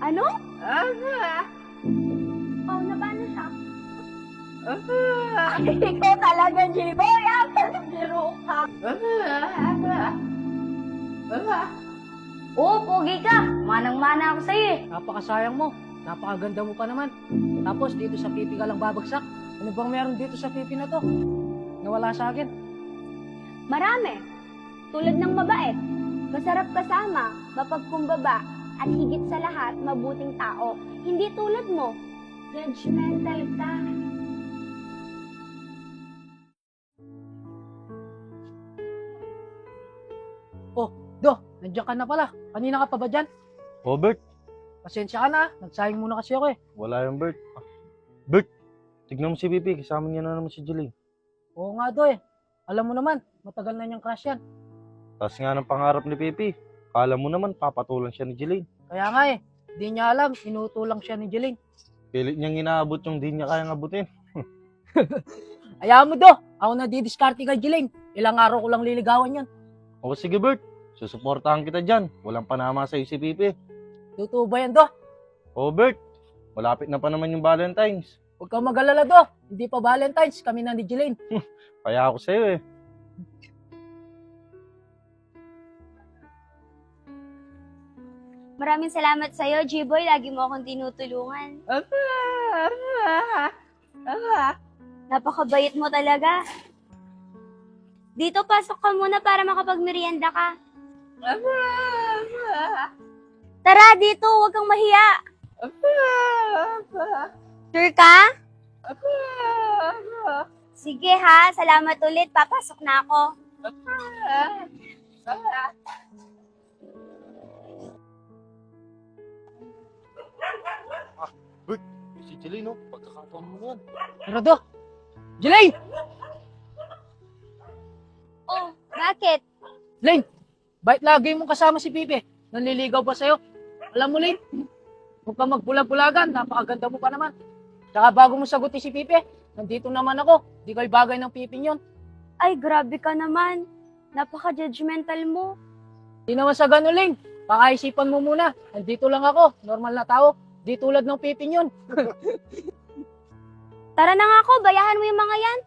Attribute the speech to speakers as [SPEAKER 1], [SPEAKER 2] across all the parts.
[SPEAKER 1] Ano? Oh, na paano siya? Ikaw talaga, J-Boy. Palagiro ka. Oo, pogi ka. Manang-mana ako sa'yo eh.
[SPEAKER 2] Napakasayang mo. Napakaganda mo pa naman. Tapos dito sa pipi ka lang babagsak. Ano bang meron dito sa pipi na to? Nawala sa akin.
[SPEAKER 1] Marami. Tulad ng mabait. Masarap kasama, mapagkumbaba, at higit sa lahat, mabuting tao. Hindi tulad mo. Judgmental ka.
[SPEAKER 2] Oh, Do, nandiyan ka na pala. Kanina ka pa ba dyan?
[SPEAKER 3] Oh, Bert.
[SPEAKER 2] Pasensya ka na. Nagsayang muna kasi ako eh.
[SPEAKER 3] Wala yung Bert. Bert, tignan mo si Pipi. Kasama niya na naman si Jeline.
[SPEAKER 2] Oo nga, Do eh. Alam mo naman, matagal na niyang crush yan.
[SPEAKER 3] Taas nga ng pangarap ni Pipi. Kala mo naman, papatulan siya ni Jeline.
[SPEAKER 2] Kaya nga eh, di niya alam, inutulang siya ni Jeline.
[SPEAKER 3] Pilit niyang inaabot yung di niya kayang abutin.
[SPEAKER 2] Ayaw mo, Do. Ako na didiskarte kay Jeline. Ilang araw ko lang liligawan yan.
[SPEAKER 3] O sige, Bert. Susuportahan kita dyan. Walang panama sa'yo si Pipi.
[SPEAKER 2] Totoo ba yan, Do?
[SPEAKER 3] O Bert, malapit na pa naman yung Valentine's.
[SPEAKER 2] Huwag kang mag-alala, Do. Hindi pa Valentine's, kami na ni Jeline.
[SPEAKER 3] Kaya ako sa'yo eh.
[SPEAKER 1] Maraming salamat sa'yo, J-Boy. Lagi mo akong tinutulungan. Napakabait mo talaga. Dito, pasok ka muna para makapagmerienda ka. Tara, dito. Huwag kang mahiya. Sure ka? Sige ha. Salamat ulit. Papasok na ako.
[SPEAKER 3] Bert, si Jeline, no? Pagkakataon mo yan.
[SPEAKER 2] Pero, Do, Jeline!
[SPEAKER 1] Oh, bakit?
[SPEAKER 2] Jeline, bakit lagi mong kasama si Pipi? Nanliligaw ba sa'yo? Alam mo, Lane, huwag kang magbulag-bulagan. Napakaganda mo pa naman. Tsaka bago mo sagutin si Pipi, nandito naman ako. Di kayo bagay ng Pipi yun.
[SPEAKER 1] Ay, grabe ka naman. Napaka-judgmental mo.
[SPEAKER 2] Di naman sa ganun, Lane. Pakaisipan mo muna. Nandito lang ako. Normal na tao. Di tulad ng Pipi yun.
[SPEAKER 1] Tara na nga ako. Bayahan mo yung mga yan.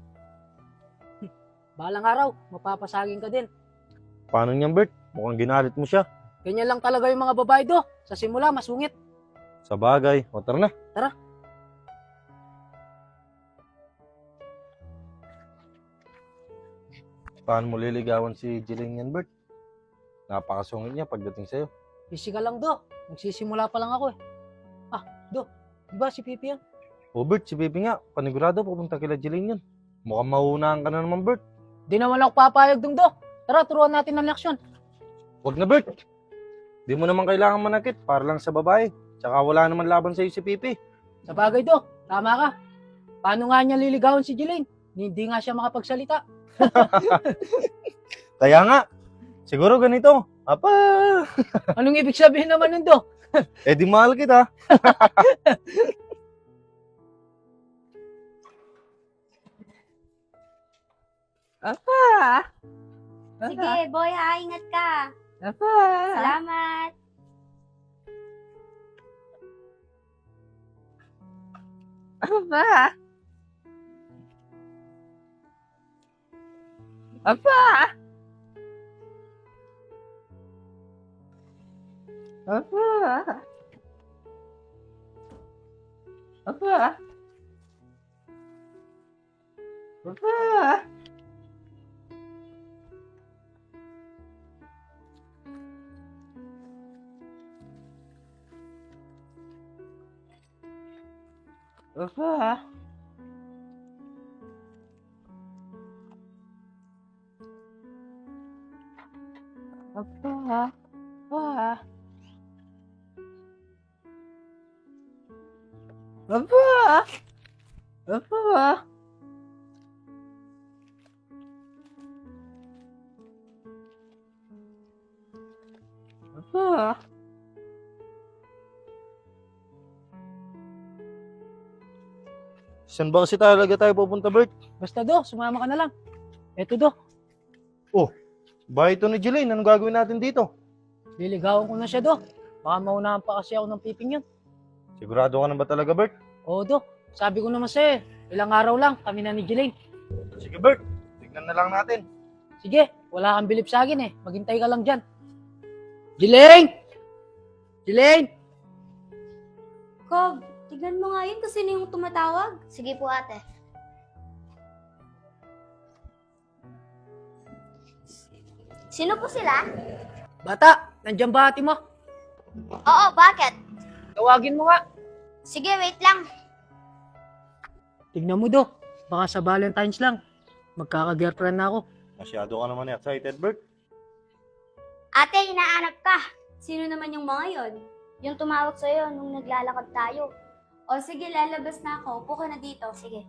[SPEAKER 2] Balang araw, mapapasagin ka din.
[SPEAKER 3] Paano niyan, Bert? Mukhang ginalit mo siya.
[SPEAKER 2] Ganyan lang talaga yung mga babae, Do. Sa simula, masungit.
[SPEAKER 3] Sa bagay. O, tara na.
[SPEAKER 2] Tara.
[SPEAKER 3] Paano mo liligawan si Jeline yan, Bert? Napakasungit niya pagdating sa'yo.
[SPEAKER 2] Busy ka lang, Do. Nagsisimula pa lang ako eh. Ah, Do. Di ba si Pipi yan?
[SPEAKER 3] O, Bert, si Pipi nga. Panigurado pupunta kila Jeline yan. Mukhang mahunahan ka na naman, Bert.
[SPEAKER 2] Di naman ako papayag dong, Do. Tara, turuan natin ng leksyon.
[SPEAKER 3] Huwag na, Bert. Di mo naman kailangan manakit para lang sa babae. Tsaka wala naman laban sa'yo si Pipi.
[SPEAKER 2] Sa bagay, Do. Tama ka. Paano nga niya liligawan si Jeline? Hindi nga siya makapagsalita.
[SPEAKER 3] Kaya nga, siguro ganito. Apa,
[SPEAKER 2] Anong ibig sabihin naman nun, Do?
[SPEAKER 3] eh di mahal kita.
[SPEAKER 1] Sige, boy ha. Ingat ka. Salamat.
[SPEAKER 3] Saan ba kasi talaga tayo pupunta, Bert?
[SPEAKER 2] Basta, Do. Sumama ka na lang. Eto, Do.
[SPEAKER 3] Bahay ito ni Jeline. Anong gagawin natin dito?
[SPEAKER 2] Liligawan ko na siya, Do. Baka maunahan pa kasi ako ng piping yun.
[SPEAKER 3] Sigurado ka na ba talaga, Bert?
[SPEAKER 2] Oo, Do. Sabi ko naman sa'yo, ilang araw lang, kami na ni Jelaine.
[SPEAKER 3] Sige, Bert. Tignan na lang natin.
[SPEAKER 2] Sige, wala kang bilib sa akin eh. Maghintay ka lang dyan. Jelaine! Jelaine!
[SPEAKER 1] Kob, tignan mo nga yun kasi sino yung tumatawag.
[SPEAKER 4] Sige po ate. Sino po sila?
[SPEAKER 2] Bata, nandiyan ba ate mo?
[SPEAKER 4] Oo, bakit?
[SPEAKER 2] Tawagin mo nga.
[SPEAKER 4] Sige, wait lang.
[SPEAKER 2] Tignan mo, Do. Baka sa Valentine's lang. Magkaka-girlfriend na ako.
[SPEAKER 3] Masyado ka naman excited, Bert.
[SPEAKER 4] Ate, hinaanap ka.
[SPEAKER 1] Sino naman yung mga yon?
[SPEAKER 4] Yung tumawag sa'yo nung naglalakad tayo.
[SPEAKER 1] O sige, lalabas na ako. Upo ka na dito.
[SPEAKER 4] Sige.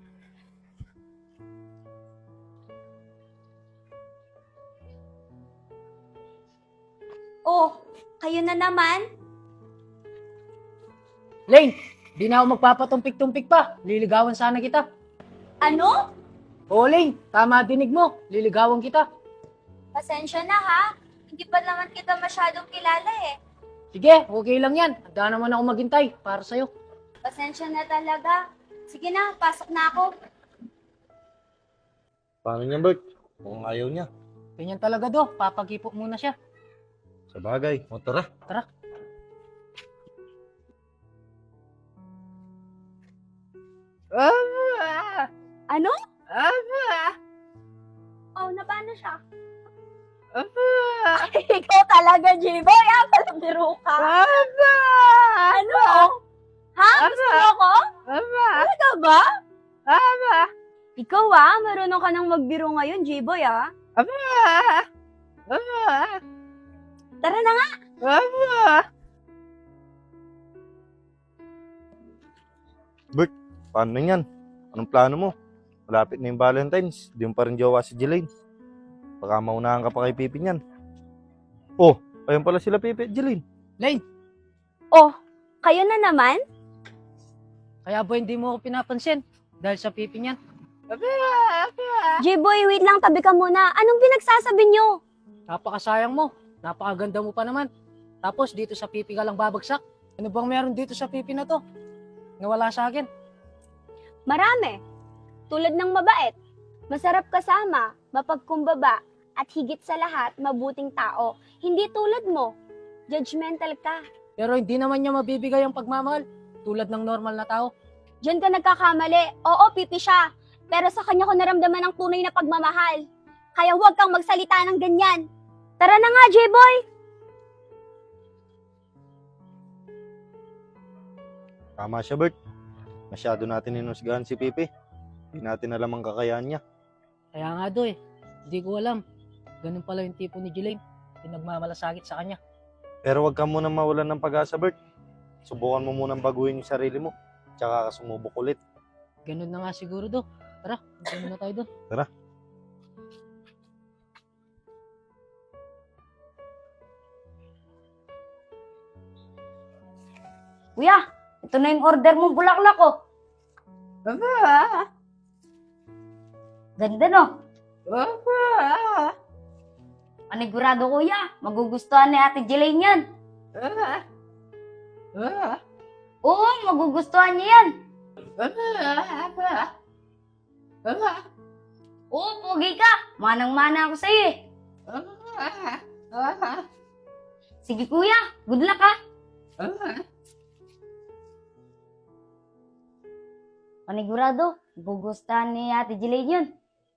[SPEAKER 1] Oh, kayo na naman?
[SPEAKER 2] Lane, di na ako magpapatumpik-tumpik pa. Liligawan sana kita.
[SPEAKER 1] Ano?
[SPEAKER 2] Oo, Lane. Tama dinig mo. Liligawan kita.
[SPEAKER 1] Pasensya na ha. Hindi pa naman kita masyadong kilala eh.
[SPEAKER 2] Sige, okay lang yan. Handa naman ako maghintay para sa'yo.
[SPEAKER 1] Pasensya na talaga. Sige na, pasok na ako.
[SPEAKER 3] Paano niya, Bert? Kung ayaw niya.
[SPEAKER 2] Ganyan talaga, Do. Papagipo muna siya.
[SPEAKER 3] Sa bagay. O tara.
[SPEAKER 2] Tara.
[SPEAKER 1] Ano? Oh, na paano siya? Ikaw talaga, J-Boy. Palabiro ka. Ano? Ha? Gusto mo ako? Talaga ba? Ikaw marunong ka nang magbiro ngayon, J-Boy Tara na nga.
[SPEAKER 3] Paano na yan? Anong plano mo? Malapit na yung Valentine's. Di mo pa rin jowa si Jelaine. Baka maunahan ka pa kay Pipi niyan. Oh, ayun pala sila Pipi at Jelaine.
[SPEAKER 2] Lane,
[SPEAKER 1] Oh, kayo na naman?
[SPEAKER 2] kaya ba hindi mo ako pinapansin? Dahil sa pipi niyan.
[SPEAKER 1] J-Boy, wait lang. Tabi ka muna. Anong pinagsasabi nyo?
[SPEAKER 2] Napakasayang mo. Napakaganda mo pa naman. Tapos dito sa pipi ka lang babagsak. Ano bang meron dito sa pipi na to? Nawala sa akin.
[SPEAKER 1] Marami. Tulad ng mabait, masarap kasama, mapagkumbaba, at higit sa lahat, mabuting tao. Hindi tulad mo. Judgmental ka.
[SPEAKER 2] Pero hindi naman niya mabibigay ang pagmamahal. Tulad ng normal na tao.
[SPEAKER 1] Diyan ka nagkakamali. Oo, pipi siya. Pero sa kanya ko naramdaman ang tunay na pagmamahal. Kaya huwag kang magsalita ng ganyan. Tara na nga, J-Boy.
[SPEAKER 3] Tama siya, Bert. Masyado natin inusgahan si Pipi. Hindi natin alam ang kakayahan niya.
[SPEAKER 2] Kaya nga do hindi ko alam. Ganun pala yung tipo ni Jelaine. Pinagmamalasakit sa kanya.
[SPEAKER 3] Pero wag ka muna mawalan ng pag-asa, Bert. Subukan mo munang baguhin yung sarili mo. Tsaka ka sumubok ulit.
[SPEAKER 2] Ganun na nga siguro do. Tara, punta na tayo doon.
[SPEAKER 3] Tara.
[SPEAKER 4] Kuya, ito na yung order mo, bulaklak ko. Ganda no? Panigurado kuya, magugustuhan ni Ate Jelaine yan. Oo, magugustuhan niya yan. Oo, pogi ka. Manang-mana ako sa'yo eh. Sige kuya, good luck ha. Panigurado, magugustuhan ni Ate Jelaine yun.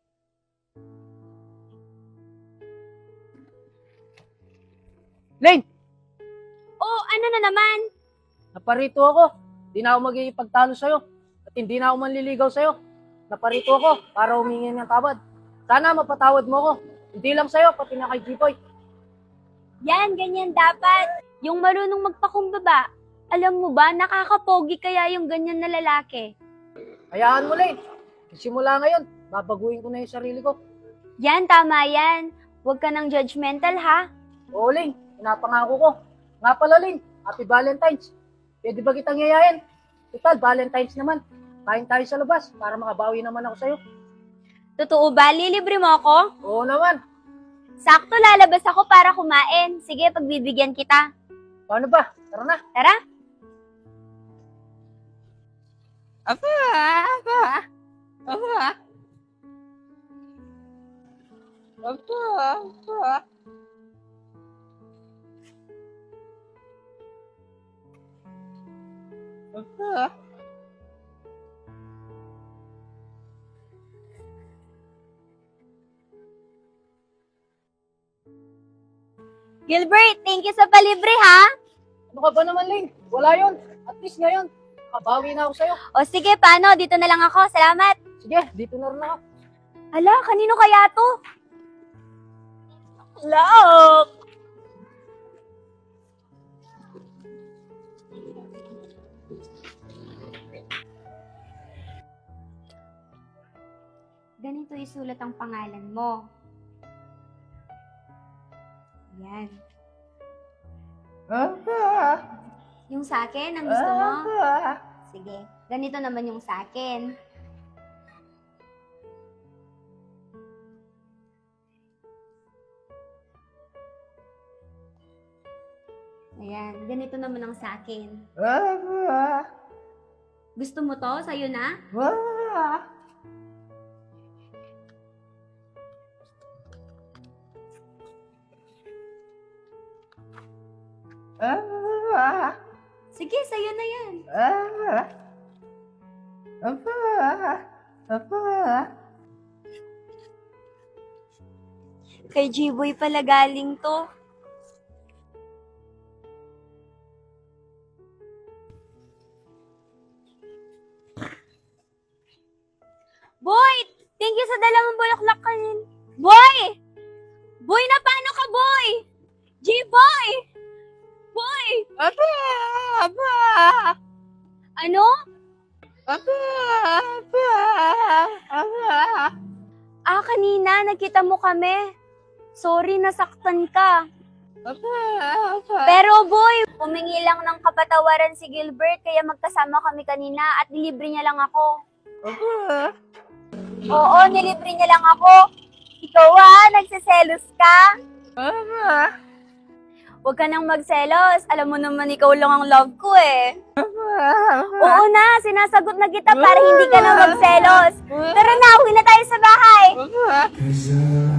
[SPEAKER 2] Lane,
[SPEAKER 1] Oh, ano na naman?
[SPEAKER 2] naparito ako. Hindi na ako magigipagtalo sa'yo. At hindi na ako manliligaw sa'yo. Naparito ako para humingi ng tawad. Sana mapatawad mo ako. Hindi lang sa'yo, pati na kay Jipoy.
[SPEAKER 1] Yan, ganyan dapat. Yung marunong magpakumbaba. Alam mo ba, nakakapogi kaya yung ganyan na lalaki.
[SPEAKER 2] Hayaan mo, Lane. Simula ngayon, babaguhin ko na yung sarili ko.
[SPEAKER 1] Yan, tama yan. Huwag ka nang judgmental ha.
[SPEAKER 2] Oo, Lane. Pinapangako ko. Nga pala, Lane. Happy Valentine's. Pwede ba kitang yayain? Total, Valentine's naman. Kain tayo sa labas para makabawi naman ako sa'yo.
[SPEAKER 1] Totoo ba? Lilibre mo ako?
[SPEAKER 2] Oo naman.
[SPEAKER 1] Sakto, lalabas ako para kumain. Sige, pagbibigyan kita.
[SPEAKER 2] Paano ba? Tara na.
[SPEAKER 1] Tara! Gilbert, thank you sa palibre ha!
[SPEAKER 2] Ano ka ba naman, Lane? Wala yun. At least ngayon, kabawi na ako sa'yo.
[SPEAKER 1] O sige, paano? Dito na lang ako. Salamat!
[SPEAKER 2] Sige, dito na rin ako.
[SPEAKER 1] Ala, kanino kaya to? Look! Ganito isulat ang pangalan mo. Yan. Yung sa akin, ang gusto mo? Sige. Ganito naman yung sa akin. Ayan. Ganito naman ang sa akin. Gusto mo to? Sa'yo na? Sige, sa'yo na yan. Kay G-Boy pala galing to. Boy! Thank you sa dala mong bulaklak kanin. Boy! Boy, na paano ka, boy? G-Boy! Boy! Ano? Kanina, nakita mo kami. Sorry, nasaktan ka. Pero boy, humingi lang ng kapatawaran si Gilbert kaya magkasama kami kanina at nilibre niya lang ako. Oo, nilibre niya lang ako. Ikaw nagsiselos ka? Huwag ka nang magselos. Alam mo naman ikaw lang ang love ko eh. Oo na, sinasagot na kita para hindi ka na magselos. Tara na, uwi na tayo sa bahay.